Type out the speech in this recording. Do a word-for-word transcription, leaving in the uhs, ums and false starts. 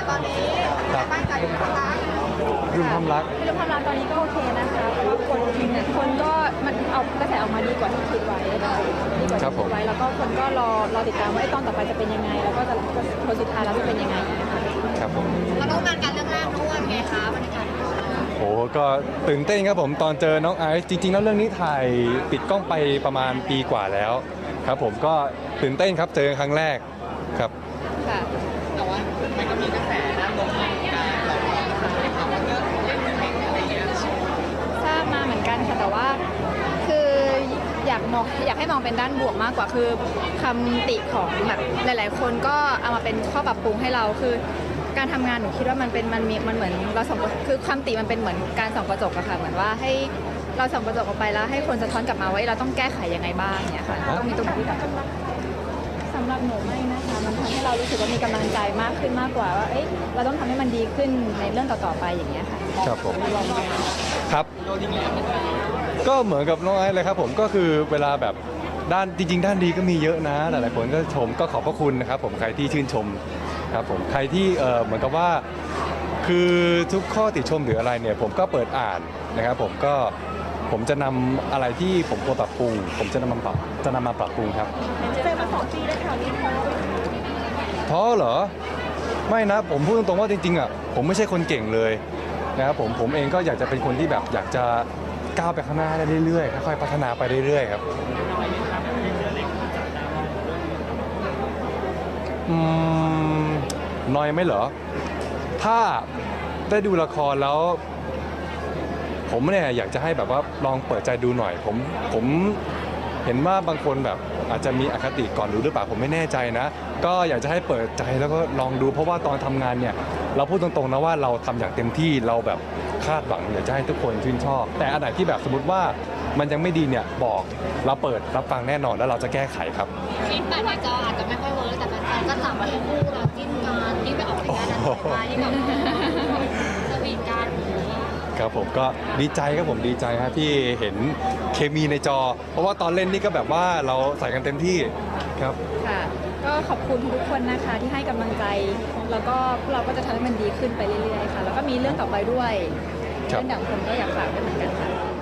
ตอนนี้ครับบ้านใจอยู่ที่ร้านรุมทำรักเรื่องความรักตอนนี้ก็โอเคนะคะเพราะว่าคนคนก็มันเอากระแสออกมาดีกว่าที่คิดไว้ดีกว่าที่คิดไว้แล้วก็คนก็รอรอติดตามว่าไอ้ตอนต่อไปจะเป็นยังไง แล้วก็จะผลสุดท้ายแล้วจะเป็นยังไงนะคะครับผมมาร่วมงานกันเรื่องแรกด้วยไงคะบรรยากาศโอ้ก็ตื่นเต้นครับผมตอนเจอน้องไอซ์จริงๆแล้วเรื่องนี้ถ่ายปิดกล้องไปประมาณปีกว่าแล้วครับผมก็ตื่นเต้นครับเจอครั้งแรกครับค่ะแต่ว่ามันก็มีกระแสด้านลบเหมือนกันเราก็ได้ข่าวว่าเรื่องเล่นเพลงอะไรอย่างเงี้ยทราบมาเหมือนกันค่ะแต่ว่าคืออยากมองอยากให้มองเป็นด้านบวกมากกว่าคือคำติของแบบหลาย ๆ คนก็เอามาเป็นข้อปรับปรุงให้เราคือการทำงานหนูคิดว่ามันเป็นมันมีมันเหมือนเราส่องคือคำติมันเป็นเหมือนการส่องกระจกอะค่ะเหมือนว่าให้เราส่องกระจกออกไปแล้วให้คนสะท้อนกลับมาว่าเราต้องแก้ไขยังไงบ้างเนี่ยค่ะต้องมีตรงนี้แบบสำหรับหนูไม่นะคะมันทำให้เรารู้สึกว่ามีกำลังใจมากขึ้นมากกว่าว่าเอ้ยเราต้องทำให้มันดีขึ้นในเรื่องต่อๆไปอย่างเงี้ยค่ะครับผมครับก็เหมือนกับน้องไอซ์เลยครับผมก็คือเวลาแบบด้านจริง ๆ ด้านดีก็มีเยอะนะหลายๆคนก็ชมก็ขอบพระคุณนะครับผมใครที่ชื่นชมครับผมใครที่เออเหมือนกับว่าคือทุกข้อติชมหรืออะไรเนี่ยผมก็เปิดอ่านนะครับผมก็ผมจะนำอะไรที่ผมควรปรับปรุง ผมจะนำมาปรับจะนำมาปรับปรุงครับเจอมาสองปีได้ข่าวนี้ท้อท้อเหรอไม่นะผมพูดตรงๆว่าจริงๆอ่ะผมไม่ใช่คนเก่งเลยนะครับผมผมเองก็อยากจะเป็นคนที่แบบอยากจะก้าวไปข้างหน้าได้เรื่อยๆค่อยๆพัฒนาไปเรื่อยๆครับอืมน้อยไหมเหรอถ้าได้ดูละครแล้ว ผมเนี่ยอยากจะให้แบบว่าลองเปิดใจดูหน่อยผมผมเห็นว่าบางคนแบบอาจจะมีอคติก่อนดูหรือเปล่าผมไม่แน่ใจนะ ก็อยากจะให้เปิดใจแล้วก็ลองดูเพราะว่าตอนทำงานเนี่ยเราพูดตรงๆนะว่าเราทำอย่างเต็มที่เราแบบคาดหวังอยากจะให้ทุกคนชื่นชอบ แต่อันไหนที่แบบสมมติว่ามันยังไม่ดีเนี่ยบอกเราเปิดรับฟังแน่นอนแล้วเราจะแก้ไขครับคลิปแต่ในจออาจจะไม่ค่อยเวิร์กแต่แฟนๆก็จับมาให้คู่เราจิ้นกันที่ไปออกรายการอะไรมาที่แบบสวีทกันครับผมก็ดีใจครับผมดีใจครับที่เห็นเคมีในจอ เพราะว่าตอนเล่นนี่ก็แบบว่าเราใส่กันเต็มที่ครับค่ะก็ขอบคุณทุกคนนะคะที่ให้กำลังใจ แล้วก็พวกเราก็จะทำให้มันดีขึ้นไปเรื่อยๆค่ะ แล้วก็มีเรื่องต่อไปด้วยครับเรื่องดังคนก็อยากฝากด้วยเหมือนกันค่ะ